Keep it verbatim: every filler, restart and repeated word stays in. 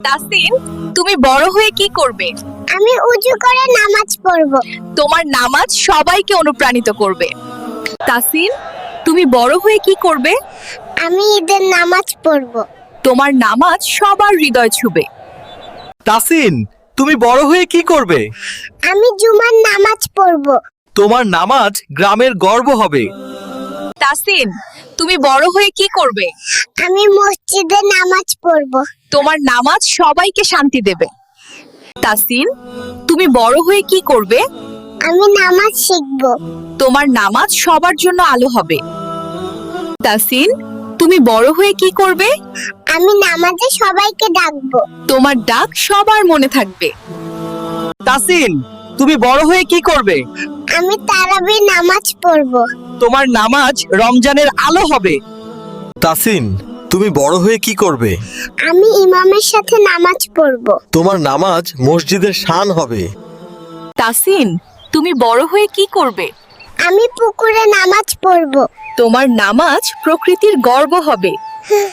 তাসিন, তুমি বড় হয়ে কি করবে? আমি উজু করে নামাজ পড়ব। তোমার নামাজ সবাইকে অনুপ্রাণিত করবে। তাসিন, তুমি বড় হয়ে কি করবে? আমি ঈদের নামাজ পড়ব। তোমার নামাজ সবার হৃদয় ছুবে। তাসিন, তুমি বড় হয়ে কি করবে? আমি জুমার নামাজ পড়ব। তোমার নামাজ গ্রামের গর্ব হবে। তাসিন, তুমি বড় হয়ে কি করবে? আমি মসজিদে নামাজ পড়ব। তোমার নামাজ সবাইকে শান্তি দেবে। তাসিন, তুমি বড় হয়ে কি করবে? আমি নামাজ শিখব। তোমার নামাজ সবার জন্য আলো হবে। তাসিন, তুমি বড় হয়ে কি করবে? আমি নামাজে সবাইকে ডাকবো। তোমার ডাক সবার মনে থাকবে। তাসিন, তুমি বড় হয়ে কি করবে? আমি তারাবি নামাজ পড়ব। তোমার নামাজ রমজানের আলো হবে। তাসিন, তুমি বড় হয়ে কি করবে? আমি ইমামের সাথে নামাজ পড়ব। তোমার নামাজ মসজিদের শান হবে। তাসিন, তুমি বড় হয়ে কি করবে? আমি পুকুরে নামাজ পড়ব। তোমার নামাজ প্রকৃতির গর্ব হবে।